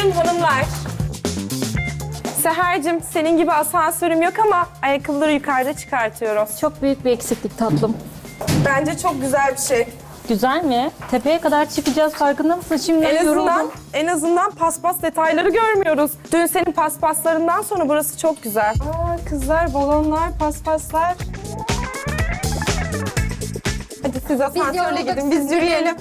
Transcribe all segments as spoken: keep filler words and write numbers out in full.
Buyurun hanımlar. Seher'cim senin gibi asansörüm yok ama ayakkabıları yukarıda çıkartıyorum. Çok büyük bir eksiklik tatlım. Bence çok güzel bir şey. Güzel mi? Tepeye kadar çıkacağız, farkında mısın? Şimdi En azından, yoruldum. en azından paspas detayları görmüyoruz. Dün senin paspaslarından sonra burası çok güzel. Aa, kızlar, balonlar, paspaslar. Hadi siz asansörle yorulduk, gidin, biz siz yürüyelim.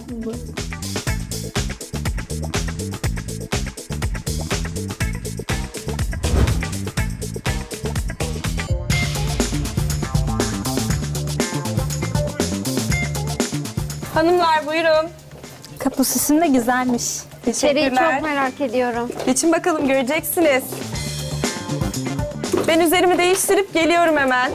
Hanımlar buyurun. Kapı süsün de güzelmiş. İçeriği Teşekkürler. çok merak ediyorum. Geçin bakalım, göreceksiniz. Ben üzerimi değiştirip geliyorum hemen.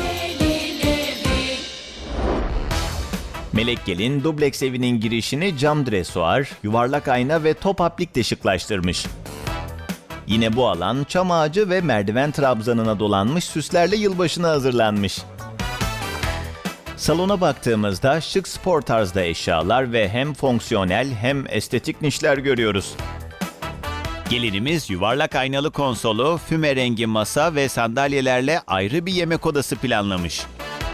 Melek Gelin, dubleks evinin girişini cam dresuar, yuvarlak ayna ve top aplikle şıklaştırmış. Yine bu alan çam ağacı ve merdiven trabzanına dolanmış süslerle yılbaşına hazırlanmış. Salona baktığımızda şık spor tarzda eşyalar ve hem fonksiyonel hem estetik nişler görüyoruz. Gelinimiz yuvarlak aynalı konsolu, füme rengi masa ve sandalyelerle ayrı bir yemek odası planlamış.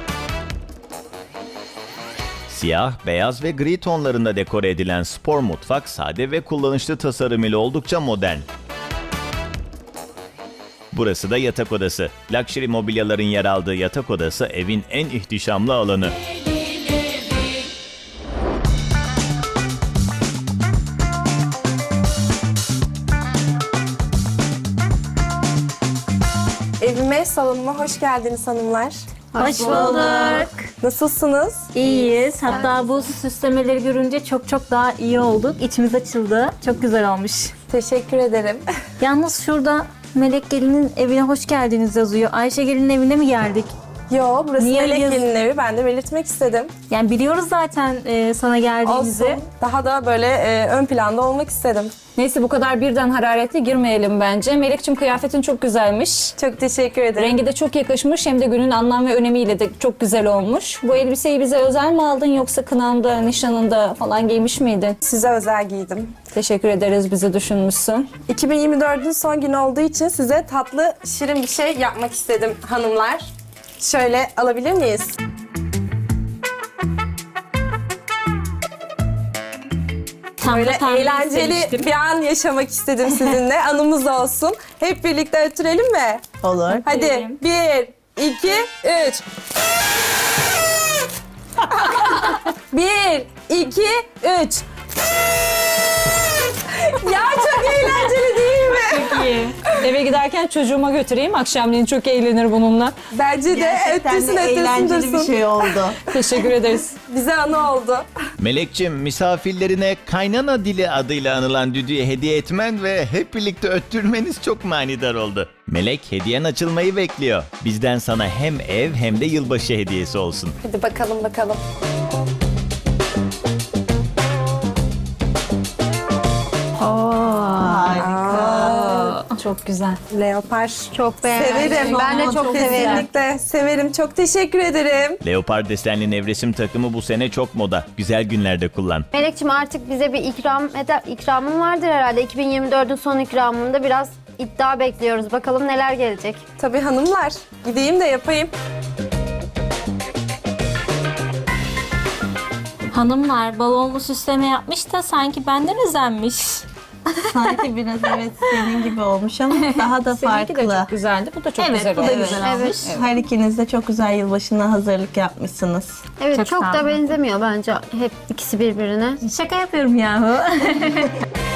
Siyah, beyaz ve gri tonlarında dekore edilen spor mutfak sade ve kullanışlı tasarım ile oldukça modern. Burası da yatak odası. Luxury mobilyaların yer aldığı yatak odası evin en ihtişamlı alanı. Evime, salonuma hoş geldiniz hanımlar. Hoş bulduk. Nasılsınız? İyiyiz. Hatta bu süslemeleri görünce çok çok daha iyi olduk. İçimiz açıldı. Çok güzel olmuş. Teşekkür ederim. Yalnız şurada Melek Gelin'in evine hoş geldiniz yazıyor. Ayşe Gelin'in evine mi geldik? Yo, burası Niye Melek yaz- Gelin'in evi. Ben de belirtmek istedim. Yani biliyoruz zaten e, sana geldiğimizi. Olsun. Daha da böyle e, ön planda olmak istedim. Neyse bu kadar birden hararetli girmeyelim bence. Melek'cim kıyafetin çok güzelmiş. Çok teşekkür ederim. Rengi de çok yakışmış hem de günün anlam ve önemiyle de çok güzel olmuş. Bu elbiseyi bize özel mi aldın yoksa kınanda, nişanında falan giymiş miydin? Size özel giydim. Teşekkür ederiz, bizi düşünmüşsün. iki bin yirmi dördün son günü olduğu için size tatlı, şirin bir şey yapmak istedim hanımlar. Şöyle alabilir miyiz? Tam da Böyle tahmin eğlenceli etmiştim. bir an yaşamak istedim sizinle. Anımız olsun. Hep birlikte ötürelim mi? Olur. Hadi Ötürelim. bir, iki, üç. Bir, iki, üç. Ya çok eğlenceli değil mi? İyi. Eve giderken çocuğuma götüreyim. Akşamleyin çok eğlenir bununla. Bence de Gerçekten ötürsün de ötürsün eğlenceli dursun. bir şey oldu. Teşekkür ederiz. Bize anı oldu. Melekçim, misafirlerine kaynana dili adıyla anılan düdüğü hediye etmen ve hep birlikte öttürmeniz çok manidar oldu. Melek, hediyen açılmayı bekliyor. Bizden sana hem ev hem de yılbaşı hediyesi olsun. Hadi bakalım bakalım. Çok güzel. Leopar. Çok beğendim. Severim. Ben de çok severim. Kesinlikle severim. Çok teşekkür ederim. Leopar desenli nevresim takımı bu sene çok moda. Güzel günlerde kullan. Melek'ciğim artık bize bir ikram eder, ikramın vardır herhalde. iki bin yirmi dördün son ikramında biraz iddia bekliyoruz. Bakalım neler gelecek. Tabii hanımlar. Gideyim de yapayım. Hanımlar balonlu süsleme yapmış da sanki benden özenmiş. Sanki biraz evet senin gibi olmuş ama daha da Seninki de farklı. çok güzeldi. Bu da çok Evet, güzel bu da oldu. güzel olmuş. Evet. Her ikiniz de çok güzel yılbaşına hazırlık yapmışsınız. Evet Çok çok sağ da olun. benzemiyor bence hep ikisi birbirine. Şaka yapıyorum yahu.